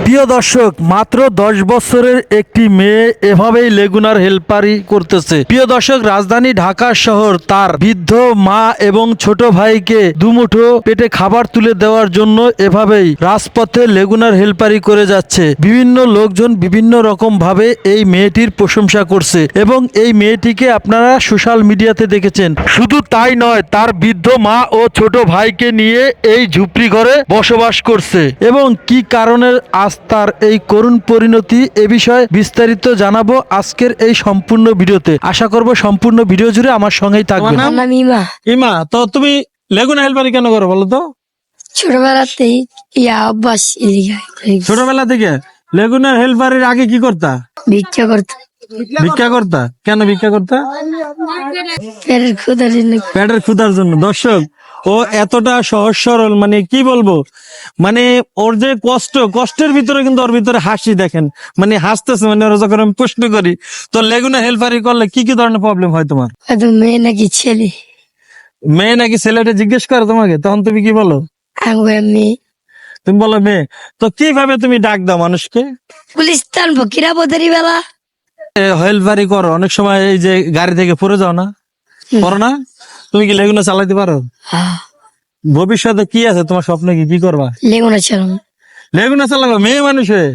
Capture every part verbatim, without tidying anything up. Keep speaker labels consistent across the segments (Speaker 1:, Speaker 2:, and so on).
Speaker 1: প্রিয় দর্শক, মাত্র দশ বছরের একটি মেয়ে এভাবেই লেগুনার হেলপারি করতেছে। প্রিয় দর্শক, রাজধানী ঢাকা শহর তার বৃদ্ধ মা এবং ছোট ভাইকে দুমুঠো পেটে খাবার তুলে দেওয়ার জন্য এভাবেই রাজপথে লেগুনার হেলপারি করে যাচ্ছে। বিভিন্ন লোকজন বিভিন্ন রকম ভাবে এই মেয়েটির প্রশংসা করছে এবং এই মেয়েটিকে আপনারা সোশ্যাল মিডিয়াতে দেখেছেন। শুধু তাই নয়, তার বৃদ্ধ মা ও ছোট ভাইকে নিয়ে এই ঝুপড়ি ঘরে বসবাস করছে এবং কি কারণে আজ তার এই করুণ পরিণতি, এ বিষয়ে বিস্তারিত জানাবো আজকের এই সম্পূর্ণ ভিডিওতে। আশা করব সম্পূর্ণ ভিডিও জুড়ে আমার সঙ্গেই থাকবেন।
Speaker 2: আমার নাম ইমা।
Speaker 1: ইমা, তো তুমি লেগুনা হেলপারি কেন করো বলো তো?
Speaker 2: ছোটবেলাতেই ইয়া অভ্যাস এদিকে
Speaker 1: ছোটবেলা থেকে লেগুনার হেলপারির আগে কি করতা?
Speaker 2: ভিক্ষা করতে,
Speaker 1: ভিক্ষা করতা। কেন ভিক্ষা করতা?
Speaker 2: পেটের ক্ষুধার জন্য।
Speaker 1: পেটের ক্ষুধার জন্য। দর্শক, ও এতটা সহজ সরল, মানে কি বলবো, মানে ওর যে কষ্ট, কষ্টের ভিতরে কিন্তু ওর ভিতরে হাসি দেখেন, মানে হাসতেছে। মানে ওরা যখন আমি প্রশ্ন করি তো লেগুনা হেলপারি করলে কি কি ধরনের প্রবলেম হয় তোমার?
Speaker 2: হয়তো মেয়ে নাকি ছেলে,
Speaker 1: মেয়ে নাকি ছেলেটা জিজ্ঞেস করে তোমাকে, তখন তুমি কি বলো?
Speaker 2: আমি মেয়ে।
Speaker 1: তুমি বলো মেয়ে। তো কিভাবে তুমি ডাক দাও মানুষকে?
Speaker 2: পুলিশ টানবো কিরাপদের বেলা।
Speaker 1: হেলপারি করো, অনেক সময় এই যে গাড়ি থেকে পড়ে যাও না, করো না? তুমি কি লেগুনা চালাইতে পারো?
Speaker 2: হ্যাঁ,
Speaker 1: ভবিষ্যতে কি আছে তোমার স্বপ্ন, কি কি করবা?
Speaker 2: লেগুনা চালাম।
Speaker 1: লেগুনা চালাবা মেয়ে মানুষ হয়ে?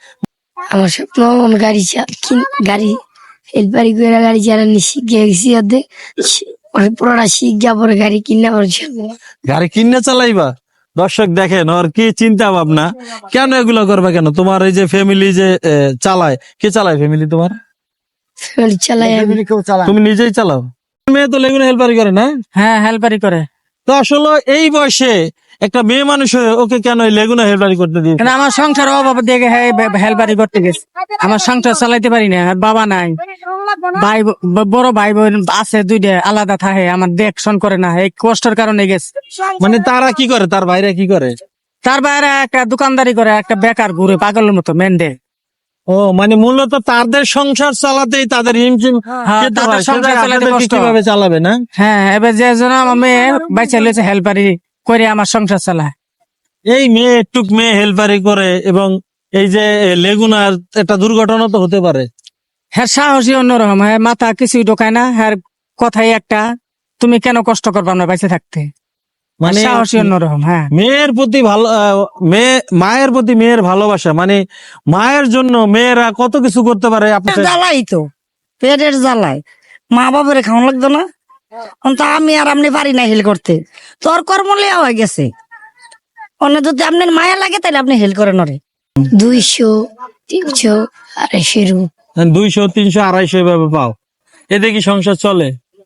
Speaker 2: আমার স্বপ্ন আমার গাড়ি চা- কিন- গাড়ি হেলপারি করে গাড়ি চালানি শিখে গেছি অর্ধেক। পরে পুরোটা শিখ যা পরে গাড়ি কিনা পরে চালাবো।
Speaker 1: গাড়ি কিনে চালাইবা? দর্শক দেখেন ওর কি চিন্তা ভাবনা। কেন এগুলো করবা কেন? তোমার এই যে ফ্যামিলি যে এ, চালায়, কে চালায় ফ্যামিলি তোমার?
Speaker 2: ফ্যামিলি চালাই আমি।
Speaker 1: তুমি নিজেই চালাও? মেয়ে তো লেগুনা হেলপারি করে না?
Speaker 3: হ্যাঁ হেল্পারি করে।
Speaker 1: তো আসলে এই বয়সে একটা মেয়ে মানুষ হয়ে ওকে কেন এই লেগুনা হেলপারি করতে দিয়ে?
Speaker 3: কেন আমার সংসার অভাব দেখে হেল্পারি করতে গেছে। আমার সংসার চালাইতে পারি না, আর বাবা নাই, ভাই ব- বড় ভাই বোন আছে দুইটা, আলাদা থাকে, আমার দেখশন করে না, এই কষ্টের কারণে গেছে।
Speaker 1: মানে তারা কি করে, তার বাইরে কি করে?
Speaker 3: তার বাইরে একটা দোকানদারি করে, একটা বেকার ঘুরে পাগলের মতো মেন্ডে।
Speaker 1: ও মানে মূলত তাদের সংসার চালাতেই তাদের হিমশিম
Speaker 3: হ্যাঁ,
Speaker 1: খেতে
Speaker 3: তাদের
Speaker 1: হয়।
Speaker 3: সংসার
Speaker 1: সেটা
Speaker 3: চালাতে
Speaker 1: আপনাদেরকে
Speaker 3: কষ্ট।
Speaker 1: কিভাবে চালাবে না?
Speaker 3: হ্যাঁ, এবার যে জন আমার মেয়ে বাইচা লেছে হেল্পারি করে আমার সংসার চালায়।
Speaker 1: এই মেয়ে একটুক মেয়ে হেলপারি করে এবং এই যে লেগুনার একটা দুর্ঘটনা তো হতে পারে।
Speaker 3: হ্যাঁ সাহসী অন্যরকম, হ্যাঁ মাথা কিছুই ঢোকায় না, হ্যাঁ কথাই একটা, তুমি কেন কষ্ট করবা না বাইচে থাকতে।
Speaker 1: মানে
Speaker 3: মানে সাহসী অন্যরকম। হ্যাঁ,
Speaker 1: মেয়ের প্রতি ভালো, আহ, মেয়ে মায়ের প্রতি মেয়ের ভালোবাসা, মানে মায়ের জন্য মেয়েরা কত কিছু করতে পারে। আপনার
Speaker 2: জ্বালাই তো পেটের জ্বালাই, মা বাবার খাওয়া লাগতো না। তো আমি আর আপনি পারি না হেল করতে, তোর কর্ম লেয়া হয়ে গেছে। অন্য যদি আপনার মায়া লাগে তাহলে আপনি হেল করেন ওরে। দুইশো তিনশো আড়াইশো রূপ
Speaker 1: দুইশো তিনশো আড়াইশো এভাবে পাও, এতে কি সংসার চলে?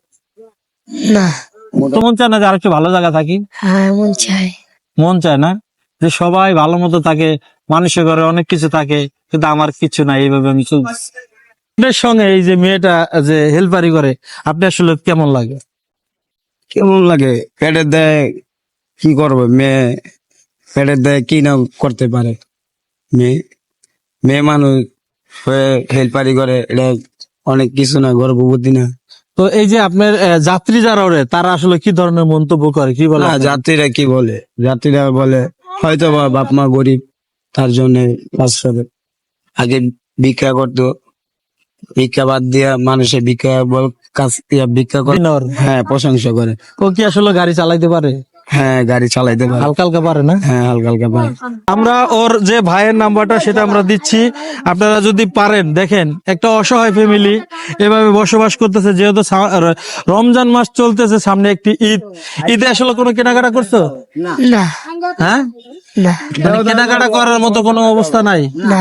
Speaker 2: না।
Speaker 1: তো মন চায় না যে আরেকটু ভালো জায়গা থাকি?
Speaker 2: হ্যাঁ মন চাই।
Speaker 1: মন চায় না যে সবাই ভালো মতো থাকে, মানুষের ঘরে অনেক কিছু থাকে, কিন্তু আমার কিছু নাই, এইভাবে আমি চলছি। আপনার সঙ্গে এই যে মেয়েটা যে হেলপারি করে, আপনি আসলে কেমন লাগে?
Speaker 4: কেমন লাগে? পেটে দেয়, কি করবে মেয়ে? পেটে দেয় কি না করতে পারে মেয়ে? মেয়ে মানুষ হয়ে হেল্পারি করে, এটা অনেক কিছু না, গর্ভবতী না।
Speaker 1: তো এই যে আপনার আহ, যাত্রী যারা ওরে, তারা আসলে কি ধরনের মন্তব্য করে, কি বলে?
Speaker 4: না, যাত্রীরা কি বলে? যাত্রীরা বলে হয়তো বা বাপ মা গরিব, তার জন্য কাজ করে। আগে ভিক্ষা করতো, ভিক্ষা বাদ দিয়া মানুষের ভিক্ষা বল কাজ দিয়া ভিক্ষা করে।
Speaker 1: দিনর।
Speaker 4: হ্যাঁ, প্রশংসা করে।
Speaker 1: ও কি আসলে গাড়ি চালাইতে পারে?
Speaker 4: হ্যাঁ, গাড়ি চালাইতে পারে।
Speaker 1: হালকা হালকা পারে না?
Speaker 4: হ্যাঁ, হালকা হালকা পারে।
Speaker 1: আমরা ওর যে ভাইয়ের নাম্বারটা সেটা আমরা দিচ্ছি, আপনারা যদি পারেন দেখেন, একটা অসহায় ফ্যামিলি এভাবে বসবাস করতেছে, যেহেতু সা- র- রমজান মাস চলতেছে, সামনে একটি ঈদ। ঈদে আসলে কোনো কেনাকাটা করছো?
Speaker 2: না
Speaker 1: হ্যাঁ,
Speaker 2: না
Speaker 1: মানে কেনাকাটা করার মতো কোনো অবস্থা নাই?
Speaker 2: না।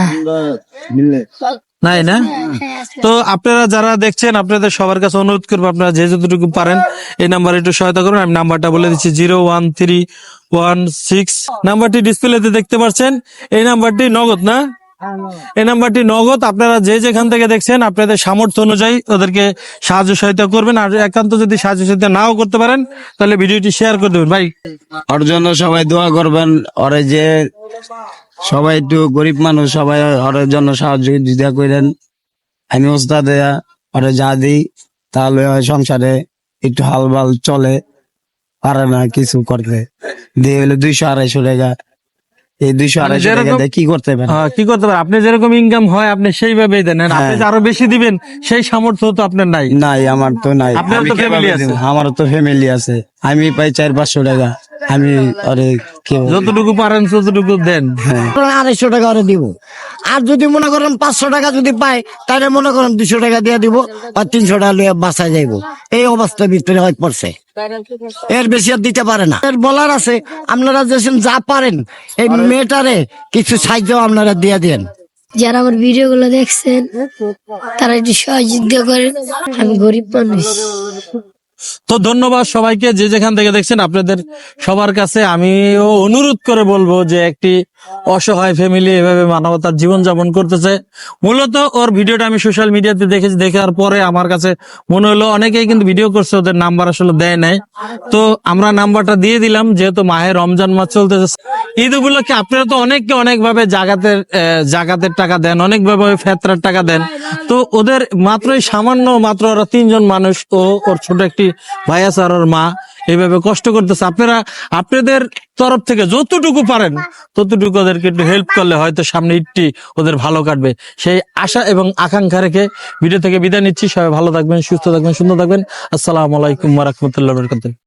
Speaker 1: নাই না? তো আপনারা যারা দেখছেন, আপনাদের সবার কাছে অনুরোধ করবো, আপনারা যে যতটুকু পারেন এই নাম্বারে একটু সহায়তা করুন। আমি নাম্বারটা বলে দিচ্ছি, zero one three one six. নাম্বারটি ডিসপ্লেতে দেখতে পাচ্ছেন। এই নাম্বারটি নগদ না? এই নাম্বারটি নগদ। আপনারা যে যেখান থেকে দেখছেন আপনাদের সামর্থ্য অনুযায়ী ওদেরকে সাহায্য সহায়তা করবেন। আর একান্ত যদি সাহায্য সহায়তা নাও করতে পারেন তাহলে ভিডিওটি শেয়ার করে দেবেন। ভাই,
Speaker 4: ওর জন্য সবাই দোয়া করবেন। ওরে যে সবাই একটু গরিব মানুষ, সবাই ওর জন্য সাহায্য দিদা করেন। আমি ওস্তাদ দেয়া ওরে যা দিই, তাহলে হয় সংসারে একটু হালবাল চলে, পারে না কিছু করতে। দিয়ে হলো দুইশো আড়াইশো টাকা, এই দুইশো আড়াইশো টাকা
Speaker 1: যেরকম-
Speaker 4: দিয়ে কি করতে পারে?
Speaker 1: হ্যাঁ, কি করতে পারে? আপনি যেরকম ইনকাম হয় আপনি সেইভাবেই দেন, আর আপনি
Speaker 4: হ্যাঁ।
Speaker 1: যে আরো বেশি দিবেন সেই সামর্থ্য তো আপনার নাই।
Speaker 4: নাই, আমার তো নাই।
Speaker 1: আপনার
Speaker 4: আমি
Speaker 1: তো
Speaker 4: কিভাবে
Speaker 1: family আছে।
Speaker 4: দেব? আমারও তো ফ্যামিলি আছে, আমি পাই চার পাঁচশো টাকা, আমি আরে কি বলবো?
Speaker 1: যতটুকু পারেন ততটুকু দেন।
Speaker 4: হ্যাঁ,
Speaker 5: আড়াইশো টাকা করে দিব। আর যদি মনে করেন পাঁচশো টাকা যদি পাই, তাহলে মনে করেন দুশো টাকা দিয়ে দিব, আর তিনশো টাকা লিয়ে বাসায় যাইব। এই অবস্থার ভিতরে হয়ে পড়ছে, এর বেশি আর দিতে পারে না। এর বলার আছে, আপনারা যেসব যা পারেন এই মেয়েটারে কিছু সাহায্য আপনারা দিয়ে দেন।
Speaker 6: যারা আমার ভিডিও গুলো দেখছেন তারা একটু সহযোগিতা করেন, আমি গরিব মানুষ।
Speaker 1: তো ধন্যবাদ সবাইকে, যে যেখান থেকে দেখছেন। আপনাদের সবার কাছে আমিও অনুরোধ করে বলবো যে একটি অসহায় ফ্যামিলি এভাবে মানবতার জীবন যাপন করতেছে। মূলত ওর ভিডিওটা আমি সোশ্যাল মিডিয়াতে দেখেছি, দেখার পরে আমার কাছে মনে হলো অনেকেই কিন্তু ভিডিও করছে, ওদের নাম্বার আসলে দেয় নাই। তো আমরা নাম্বারটা দিয়ে দিলাম, যেহেতু মাহে রমজান মাস চলতেছে, ঈদ উপলক্ষে আপনারা তো অনেককে অনেক ভাবে জাগাতের আহ, জাকাতের টাকা দেন, অনেক ভাবে ফেতরার টাকা দেন। তো ওদের মাত্রই সামান্য, মাত্র ওরা তিনজন মানুষ, ও ওর ছোট একটি ভাই আছে আর ওর মা এইভাবে কষ্ট করতেছে। আপনারা আপনাদের তরফ থেকে যতটুকু পারেন ততটুকু ওদেরকে একটু হেল্প করলে হয়তো সামনে ঈদটি ওদের ভালো কাটবে, সেই আশা এবং আকাঙ্ক্ষা রেখে ভিডিও থেকে বিদায় নিচ্ছি। সবাই ভালো থাকবেন, সুস্থ থাকবেন, সুন্দর থাকবেন। আসসালামু আলাইকুম ওয়া রাহমাতুল্লাহি ওয়া বারাকাতুহু।